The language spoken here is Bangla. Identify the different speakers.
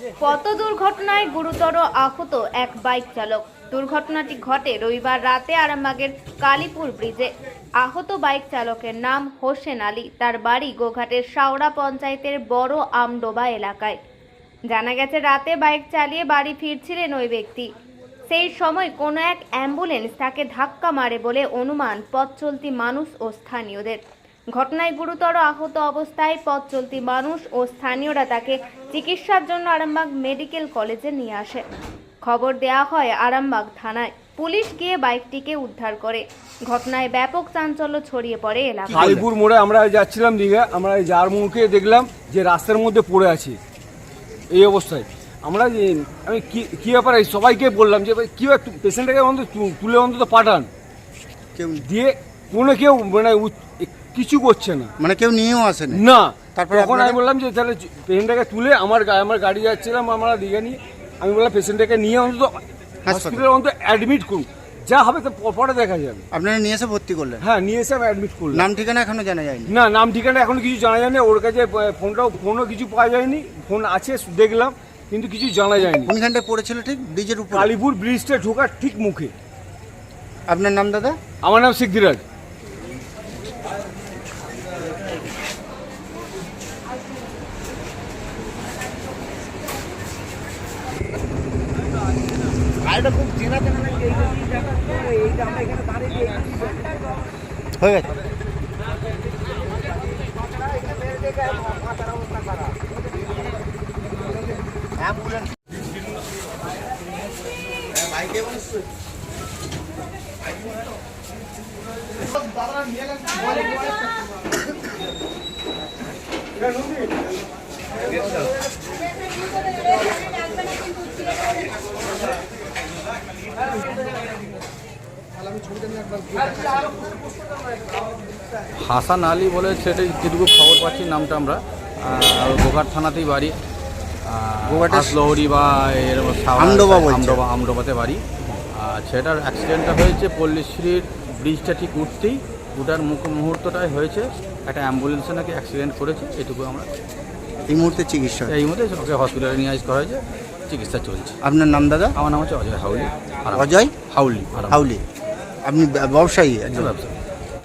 Speaker 1: পথ দুর্ঘটনায় গুরুতর আহত এক বাইক চালক। দুর্ঘটনাটি ঘটে রবিবার রাতে আরামবাগের কালীপুর ব্রিজে। আহত বাইক চালকের নাম হোসেন আলী। তার বাড়ি গোঘাটের শাওড়া পঞ্চায়েতের বড় আমডোবা এলাকায়। জানা গেছে, রাতে বাইক চালিয়ে বাড়ি ফিরছিলেন ওই ব্যক্তি। সেই সময় কোনো এক অ্যাম্বুলেন্স তাকে ধাক্কা মারে বলে অনুমান পথ চলতি মানুষ ও স্থানীয়দের। ঘটনায় গুরুতর আহত অবস্থায় পথ চলতি মানুষ ও স্থানীয়রা তাকে চিকিৎসার জন্য আরামবাগ মেডিকেল কলেজে নিয়ে আসে। খবর দেওয়া হয় আরামবাগ থানায়। পুলিশ গিয়ে বাইকটিকে উদ্ধার করে। ঘটনায় ব্যাপক চাঞ্চল্য ছড়িয়ে পড়ে এলাকায়।
Speaker 2: কালীপুর মোড়ে আমরা যাচ্ছিলাম দীঘা, আমরা যার মুখে দেখলাম যে রাস্তার মধ্যে পড়ে আছে এই অবস্থায়। আমি কি ব্যাপারে সবাইকে বললাম যে ভাই কি পেশেন্টটাকে অন্তত তুলে অন্তত পাঠান,
Speaker 3: কেউ
Speaker 2: দিয়ে কোনো কেউ মানে কিছু করছে না,
Speaker 3: মানে কেউ নিয়েও আসেনি
Speaker 2: না।
Speaker 3: তারপর
Speaker 2: তখন আমি বললাম যে তাহলে পেশেন্টটাকে তুলে আমার গাড়ি যাচ্ছিলাম আমরা দীঘা নিয়ে, আমি বললাম পেশেন্টটাকে নিয়ে অন্তত হসপিটালে অন্তত অ্যাডমিট করুন, যা হবে তো পরে দেখা যাবে।
Speaker 3: আপনারা নিয়ে এসে ভর্তি করলেন?
Speaker 2: হ্যাঁ, নিয়ে এসে আমি অ্যাডমিট করলাম।
Speaker 3: নাম ঠিকানা এখনো জানা যায়নি?
Speaker 2: না, নাম ঠিকানা এখনো কিছু জানা যায়নি। ওর কাছে ফোনও কিছু পাওয়া যায়নি। ফোন আছে দেখলাম, কিন্তু কিছু জানা যায়নি।
Speaker 3: কোনখানটায় পড়েছিল? ঠিক ব্রিজের উপর,
Speaker 2: কালীপুর ব্রিজটা ঢোকার ঠিক মুখে।
Speaker 3: আপনার নাম দাদা?
Speaker 2: আমার নাম সিদ্ধিরাজ।
Speaker 3: হয়ে গেছে।
Speaker 4: হাসান আলী বলে সেটা যেটুকু খবর পাচ্ছি নামটা আমরা, গোঘাট থানাতেই বাড়ি, লহরি বা আমডোবাতে বাড়ি। সেটার অ্যাক্সিডেন্টটা হয়েছে পল্লীশ্রীর ব্রিজটা ঠিক উঠার মুহূর্তটাই হয়েছে। একটা অ্যাম্বুলেন্সে নাকি অ্যাক্সিডেন্ট করেছে, এটুকু আমরা
Speaker 3: এই মুহূর্তে চিকিৎসা,
Speaker 4: এই মুহূর্তে ওকে হসপিটালে নিয়ে আসা হয়েছে, চিকিৎসা চলছে।
Speaker 3: আপনার নাম দাদা?
Speaker 4: আমার নাম হচ্ছে অজয় হাউলি।
Speaker 3: অজয়
Speaker 4: হাউলি।
Speaker 3: হাউলি। আপনি ব্যবসায়ী?
Speaker 4: ব্যবসা।